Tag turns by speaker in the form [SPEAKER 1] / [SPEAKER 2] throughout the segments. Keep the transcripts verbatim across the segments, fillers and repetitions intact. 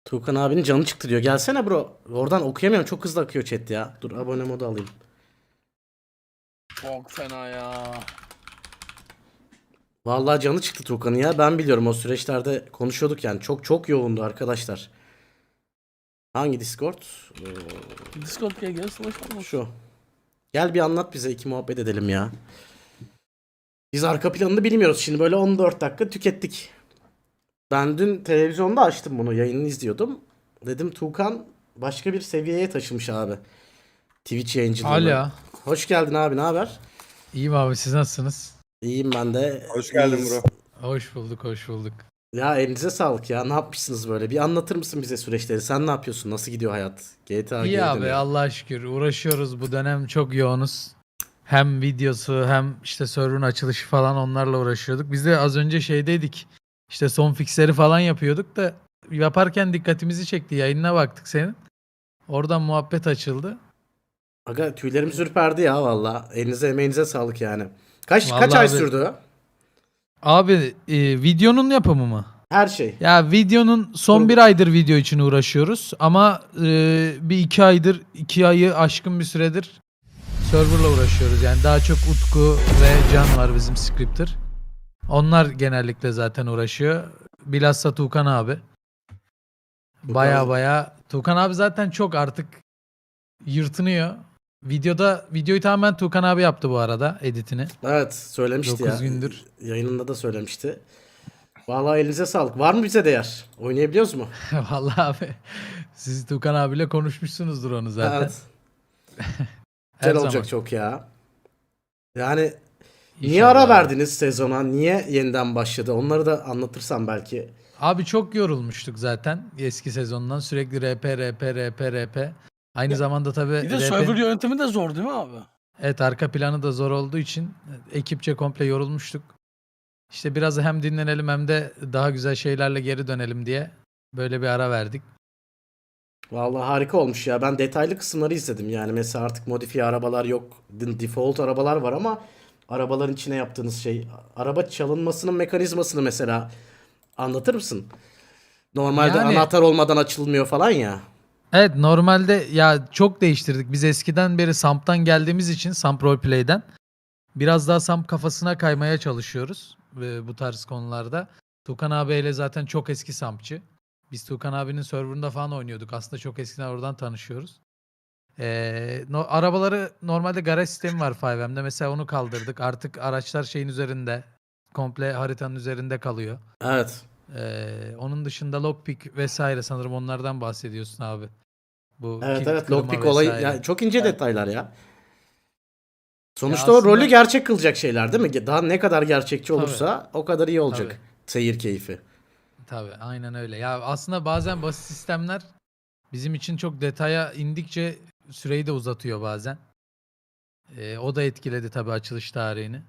[SPEAKER 1] Tuğkan abinin canı çıktı diyor. Gelsene bro. Oradan okuyamıyorum. Çok hızlı akıyor chat ya. Dur abone modu alayım.
[SPEAKER 2] Çok fena ya.
[SPEAKER 1] Vallahi canı çıktı Tuğkan'ın ya. Ben biliyorum o süreçlerde konuşuyorduk yani. Çok çok yoğundu arkadaşlar. Hangi Discord? Ee,
[SPEAKER 2] Discord gel gel slash olmuş.
[SPEAKER 1] şu. Gel bir anlat bize. iki muhabbet edelim ya. Biz arka planını bilmiyoruz. Şimdi böyle on dört dakika tükettik. Ben dün televizyonda açtım bunu. Yayınını izliyordum. Dedim Tuğkan başka bir seviyeye taşımış abi. Twitch yayıncılığını.
[SPEAKER 3] Hala.
[SPEAKER 1] Hoş geldin abi, ne haber?
[SPEAKER 3] İyiyim abi, siz nasılsınız?
[SPEAKER 1] İyiyim ben de.
[SPEAKER 4] Hoş geldin
[SPEAKER 1] İyiyiz.
[SPEAKER 4] bro.
[SPEAKER 3] Hoş bulduk, hoş bulduk.
[SPEAKER 1] Ya elinize sağlık ya. Ne yapmışsınız böyle? Bir anlatır mısın bize süreçleri? Sen ne yapıyorsun? Nasıl gidiyor hayat? G T A
[SPEAKER 3] İyi
[SPEAKER 1] geri
[SPEAKER 3] abi,
[SPEAKER 1] dönüyor.
[SPEAKER 3] Allah'a şükür uğraşıyoruz, bu dönem çok yoğunuz. Hem videosu hem işte server'ın açılışı falan, onlarla uğraşıyorduk. Biz de az önce şeydeydik. İşte son fixleri falan yapıyorduk da yaparken dikkatimizi çekti. Yayınına baktık senin. Oradan muhabbet açıldı.
[SPEAKER 1] Aga tüylerim ürperdi ya valla. Elinize emeğinize sağlık yani. Kaç kaç
[SPEAKER 3] Vallahi
[SPEAKER 1] ay
[SPEAKER 3] abi-
[SPEAKER 1] sürdü?
[SPEAKER 3] Abi e, videonun yapımı mı?
[SPEAKER 1] Her şey.
[SPEAKER 3] Ya videonun son
[SPEAKER 1] Kurgu.
[SPEAKER 3] bir aydır video için uğraşıyoruz ama e, bir iki aydır, iki ayı aşkın bir süredir serverla uğraşıyoruz. Yani daha çok Utku ve Can var, bizim scripter. Onlar genellikle zaten uğraşıyor. Bilhassa Tuğkan abi. Baya baya. Tuğkan abi zaten çok artık yırtınıyor. Videoda videoyu tamamen Tuğkan abi yaptı bu arada, editini.
[SPEAKER 1] Evet söylemişti ya.
[SPEAKER 3] dokuz gündür.
[SPEAKER 1] Yayınında da söylemişti. Vallahi elinize sağlık. Var mı bize değer? Oynayabiliyoruz mu?
[SPEAKER 3] Vallahi abi, siz Tuğkan abiyle konuşmuşsunuzdur onu zaten.
[SPEAKER 1] Evet.
[SPEAKER 3] Her
[SPEAKER 1] Güzel olacak
[SPEAKER 3] zaman.
[SPEAKER 1] çok ya. Yani niye
[SPEAKER 3] İnşallah
[SPEAKER 1] ara
[SPEAKER 3] abi.
[SPEAKER 1] verdiniz sezona? Niye yeniden başladı? Onları da anlatırsan belki.
[SPEAKER 3] Abi çok yorulmuştuk zaten eski sezondan. Sürekli R P, R P, R P, R P. Aynı zamanda tabii
[SPEAKER 2] Bir de
[SPEAKER 3] R P
[SPEAKER 2] server yönetimi de zor değil mi abi?
[SPEAKER 3] evet, arka planı da zor olduğu için ekipçe komple yorulmuştuk. İşte biraz hem dinlenelim hem de daha güzel şeylerle geri dönelim diye böyle bir ara verdik.
[SPEAKER 1] Vallahi harika olmuş ya. Ben detaylı kısımları izledim. Yani mesela artık modifiye arabalar yok. D- Default arabalar var ama arabaların içine yaptığınız şey, araba çalınmasının mekanizmasını mesela anlatır mısın? Normalde
[SPEAKER 3] Yani-
[SPEAKER 1] anahtar olmadan açılmıyor falan ya.
[SPEAKER 3] Evet, normalde ya çok değiştirdik. Biz eskiden beri Samp'tan geldiğimiz için, Samp Roleplay'den biraz daha Samp kafasına kaymaya çalışıyoruz e, bu tarz konularda. Tukan abiyle zaten çok eski Sampçı. Biz Tukan abinin serverında falan oynuyorduk. Aslında çok eskiden oradan tanışıyoruz. Ee, no- arabaları normalde garaj sistemi var five M'de. Mesela onu kaldırdık. Artık araçlar şeyin üzerinde. Komple haritanın üzerinde kalıyor.
[SPEAKER 1] Evet.
[SPEAKER 3] Ee, onun dışında lockpick vesaire, sanırım onlardan bahsediyorsun abi. Bu
[SPEAKER 1] Evet
[SPEAKER 3] kilit
[SPEAKER 1] evet.
[SPEAKER 3] kırma
[SPEAKER 1] Lockpick olayı
[SPEAKER 3] vesaire.
[SPEAKER 1] ya çok ince detaylar ya. Sonuçta
[SPEAKER 3] Ya
[SPEAKER 1] o
[SPEAKER 3] aslında-
[SPEAKER 1] rolü gerçek kılacak şeyler değil mi? Daha ne kadar gerçekçi
[SPEAKER 3] Tabii.
[SPEAKER 1] olursa o kadar iyi olacak.
[SPEAKER 3] Tabii.
[SPEAKER 1] Seyir keyfi.
[SPEAKER 3] Tabii, aynen öyle. Ya aslında bazen basit sistemler bizim için çok detaya indikçe süreyi de uzatıyor bazen. Ee, o da etkiledi tabii açılış tarihini.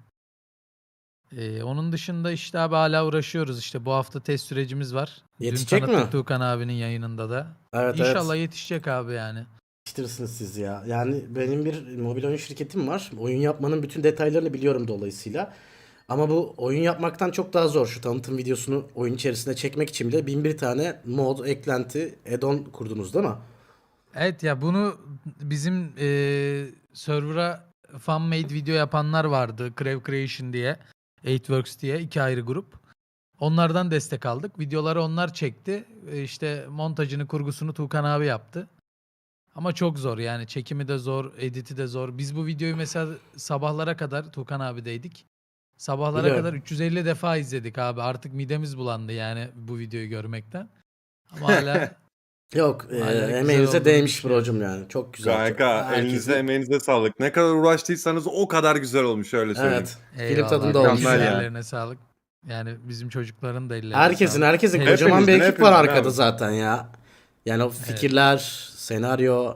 [SPEAKER 3] Ee, onun dışında işte abi hala uğraşıyoruz. İşte bu hafta test sürecimiz var.
[SPEAKER 1] Yetişecek
[SPEAKER 3] Dün tanıttık
[SPEAKER 1] mi?
[SPEAKER 3] Tuğkan abinin yayınında da.
[SPEAKER 1] Evet
[SPEAKER 3] İnşallah
[SPEAKER 1] evet.
[SPEAKER 3] yetişecek abi yani.
[SPEAKER 1] Yetiştirirsiniz siz ya. Yani benim bir mobil oyun şirketim var. Oyun yapmanın bütün detaylarını biliyorum dolayısıyla. Ama bu oyun yapmaktan çok daha zor. Şu tanıtım videosunu oyun içerisinde çekmek için bile bin bir tane mod, eklenti, add-on kurdunuz değil mi?
[SPEAKER 3] Evet ya, bunu bizim eee server'a fan made video yapanlar vardı. Crave Creation diye. eight Works diye iki ayrı grup. Onlardan destek aldık. Videoları onlar çekti. E, İşte montajını, kurgusunu Tuğkan abi yaptı. Ama çok zor yani, çekimi de zor, editi de zor. Biz bu videoyu mesela sabahlara kadar Tuğkan abideydik. Sabahlara
[SPEAKER 1] Biliyorum.
[SPEAKER 3] kadar üç yüz elli defa izledik abi. Artık midemiz bulandı yani bu videoyu görmekten. Ama hala
[SPEAKER 1] Yok, e,
[SPEAKER 3] Hala güzel
[SPEAKER 1] emeğinize
[SPEAKER 3] olduğunu
[SPEAKER 1] değmiş
[SPEAKER 3] düşünüyorum.
[SPEAKER 1] brocum yani. Çok güzel. Çok-
[SPEAKER 4] Kanka
[SPEAKER 1] herkesin-
[SPEAKER 4] elinize emeğinize sağlık. Ne kadar uğraştıysanız o kadar güzel olmuş, öyle söyleyeyim.
[SPEAKER 1] Evet. Film
[SPEAKER 3] eyvallah.
[SPEAKER 1] tadında olmuş.
[SPEAKER 4] Mükemmel
[SPEAKER 1] yani.
[SPEAKER 4] ya.
[SPEAKER 3] Ellerine sağlık. Yani bizim çocukların da ellerine
[SPEAKER 1] Herkesin
[SPEAKER 3] sağlık.
[SPEAKER 1] herkesin
[SPEAKER 3] Hepimizin,
[SPEAKER 1] kocaman bir
[SPEAKER 4] Hepimizin,
[SPEAKER 1] ekip var
[SPEAKER 4] hepimizin
[SPEAKER 1] arkada
[SPEAKER 4] abi.
[SPEAKER 1] zaten ya. Yani o fikirler, senaryo.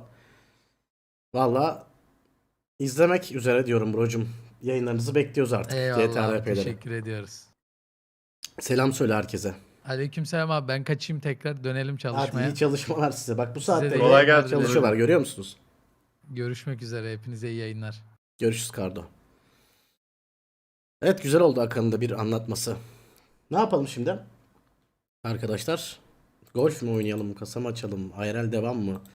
[SPEAKER 1] Valla izlemek üzere diyorum brocum. Yayınlarınızı bekliyoruz artık. G T
[SPEAKER 3] Eyvallah
[SPEAKER 1] A
[SPEAKER 3] abi,
[SPEAKER 1] R P'leri.
[SPEAKER 3] teşekkür ediyoruz.
[SPEAKER 1] Selam söyle herkese.
[SPEAKER 3] Aleykümselam abi, ben kaçayım, tekrar dönelim
[SPEAKER 1] Hadi
[SPEAKER 3] çalışmaya.
[SPEAKER 1] iyi çalışmalar size. Bak bu
[SPEAKER 3] Size
[SPEAKER 1] saatte
[SPEAKER 3] de
[SPEAKER 4] Kolay
[SPEAKER 3] yayınlar
[SPEAKER 4] gelsin.
[SPEAKER 3] dilerim.
[SPEAKER 1] çalışıyorlar, görüyor musunuz?
[SPEAKER 3] Görüşmek üzere, hepinize iyi yayınlar.
[SPEAKER 1] Görüşürüz Kardo. Evet, güzel oldu Akan'ın da bir anlatması. Ne yapalım şimdi? Arkadaşlar Golf mü oynayalım, kasa mı açalım, I R L devam mı?